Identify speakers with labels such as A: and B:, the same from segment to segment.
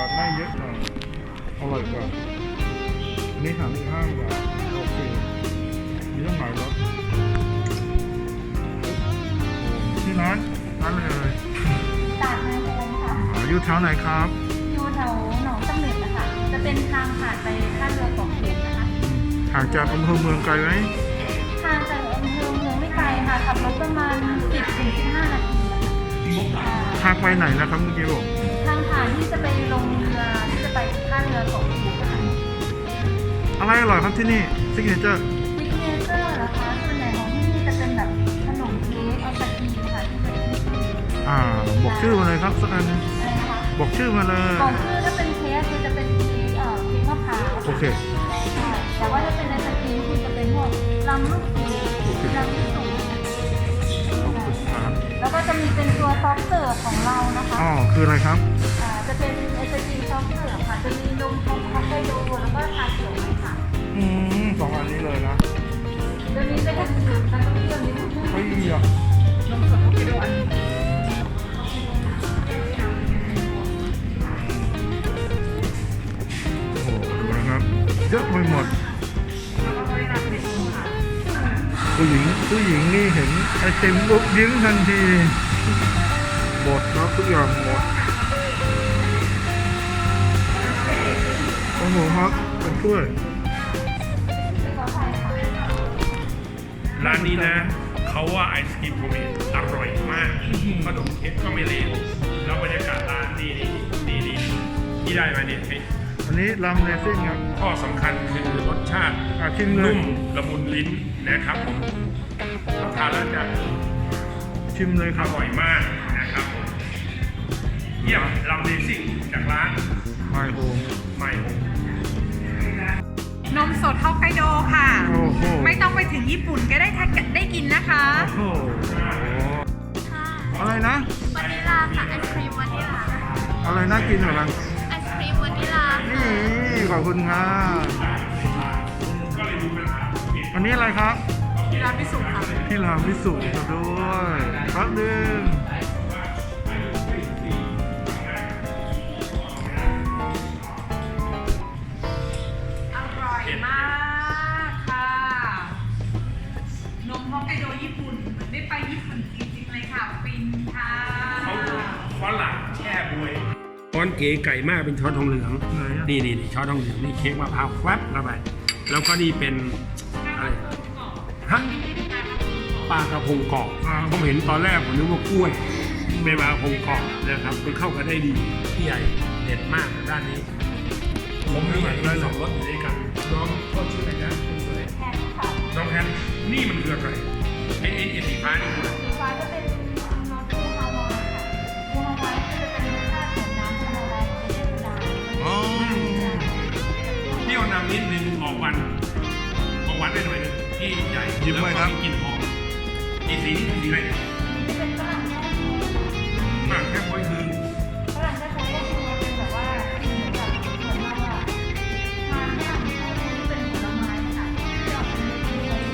A: ทไม่เยอะหน่อยอร่อยกว่าอันนี้35 บาทโอเคมีต้องหลายรสที่ร้านเลย
B: ตาดนายโฮมค่ะ
A: อยู่แถวไหนครับ
B: อยู่แถวหนองตำลึงนะคะจะเป็นทางผ่านไปท่าเรือของเขียนนะคะ
A: ห่างจากอำเภอเมืองไกลไหม
B: ทางจากอำเภอเมืองไม่ไกลค่ะขับรถประมาณ 10-15 นาทีนะคะ
A: ทางไปไหนนะครับเมื่อกี้บอก
B: ทางผ่านที่จะไปลงเรือที่จะไปท่าเรือของเขียนนะคะ
A: อะไรอร่อยครับที่นี่ซิกเนเจอร์
B: ซิกเนเจอร์นะคะส่วนใหญ่ของที่นี่จะเป็นแบบขนมเค้กเอาตะกีค่ะที่เป็น
A: บอกชื่อมาเลยครับสักอันนึง
B: อะไรนะคะ
A: บอกชื่อมาเลย
B: บอกชื่อถ้าเป็นเค้กคือจะเป็นเค้กเค้กมะพร้าว
A: โอเค
B: ใช่แต่ว่าถ้าเป็นไอศกรีมคือจะเป็นพวกลำลูกสูงลำลูกสูง
A: ขอบคุณครับ
B: แล้วก็จะมีเป็นตัวซอฟต์เสิร์ฟของเรานะคะ
A: อ๋อคืออะไรครับ
B: จะเป็นไอศกรีมซอฟต์เสิร์ฟค่ะจะมีนมฮอกไกโดแล้วก็ชาเขียวไหมค่ะ
A: สองอันนี้เลยนะ
B: จะมีเป็นแล้วก็เปรี้ยวนิดนึง
A: เฮ้ยอ่ะ
B: นมสดฮอกไกโดอันนี้
A: โอ้โหดูนะครับเยอะไปหมดผู้หญิงนี่เห็นไอติมปุ๊บยิ้มทันทีหมดครับทุกอย่างหมดโอ้โหครับเป็นถ้วย
C: ร้านนี้นะเขาว่าไอศกรีมโฮมเมดอร่อยมากขนมเค้กก็ไม่เลวแล้วบรรยากาศร้านดีที่ได้มาเนี่ย
A: อันนี้ลำเลซิ่งครับ
C: ข้อสำคัญคือรสชาติ
A: ชิมเลย
C: นุ่มละมุนลิ้นนะครับผมถ้าทานแล้วจะ
A: ชิมเลยค
C: อ
A: รับ
C: ร่อยมากนะครับผมเยี่ยมลำเลซิ่งจากร้าน
A: ไมโฮม
C: ไมโฮม
D: นมสดฮอกไกโดค่ะ
A: โอ้โห
D: ไม่ต้องไปถึงญี่ปุ่นก็ได้กินนะคะ
A: โอ้โหอะไรนะ
B: วานิลาค่ะไอศครีมวานิลา
A: อะไรน่ากินเหรอ
B: ไอศครีมวานิลา
A: นี่ขอบคุณครับอันนี้อะไรครับ
D: ที่ร้านพิสุค่ะ
A: ที่รามวิสุทธิ์ด้วยแป๊บนึง
D: อร่อยมากค่ะ นมฮอกไกโดญี่ปุ่นเหมือนได้ไปญี่ปุ่นจริงๆเลยค่ะ ฟินค่ะ
C: เขาฝรั่งแช่บวยช้อนเก๋ไก่มากเป็นช้อนทองเหลือง
A: ไหนอะ
C: นี่ช้อนทองเหลืองนี่เค้กมะพร้าวแฟบเข้าไปแล้วก็นี่เป็นอะไรฮะปลากระพงกรอบผมเห็นตอนแรกผมนึกว่ากล้วยเป็นปลากระพงกรอบนะครับมันเข้ากันได้ดีพี่ใหญ่เด็ดมากด้านนี้ผมมีได้สองรสอยู่ด้วยกันน้องก็ชื่ออะไรนะคุณสวย
B: แพนค่ะ
C: น้องแพนนี่มันคืออะไรไอ้สีฟ้านี่คืออะไร
B: สีฟ้าจะเป็นรสบูฮาวายค่ะบูฮาวายก็จะเป็นรสชาติของน้ำฮาวายของเทศกาล
A: อ๋อ
C: เปรี้ยวนำนิดนึงออกหวานได้หน่อยนึงที่ใหญ่แล้วก็มีกลิ่นหอมอีสีนี่คือสีอะไรเนี่ย
B: นี่เป็นฝรั่งแท้โค้ง
C: ฝรั่งแค่พอยคือ
B: ฝรั่งแท้โค้งก็คือมันเป็นแบบว่าเหมือนแบบเหมือนเราอะทานเนี่ยไม่ใช่ที่เป็นผลไม้ค่ะที่ออกเป็นเม็ดๆด้วย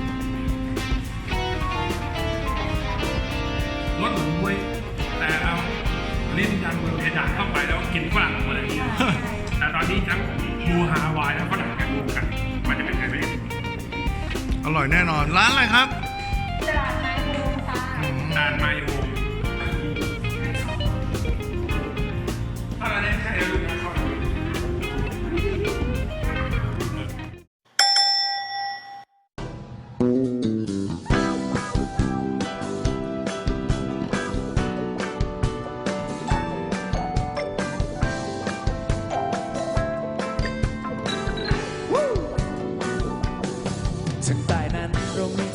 C: รสเหมือนบวยแต่เราลิ้นยันเพดานเข้าไปแล้วกินฝรั่งออกมาเลยแต่ตอนนี้ทั้งบูฮาวายและฝรั่งกันรวมกันมันจะเป็นไงไหม
A: อร่อยแน่นอนร้านอะไรครับ
B: ตลาดนายโฮมค่ะ
C: ตาลไมโฮมถ้าเราได้แค่ลูกค้าเข้าไป
E: ทางใต้นั้นเรามี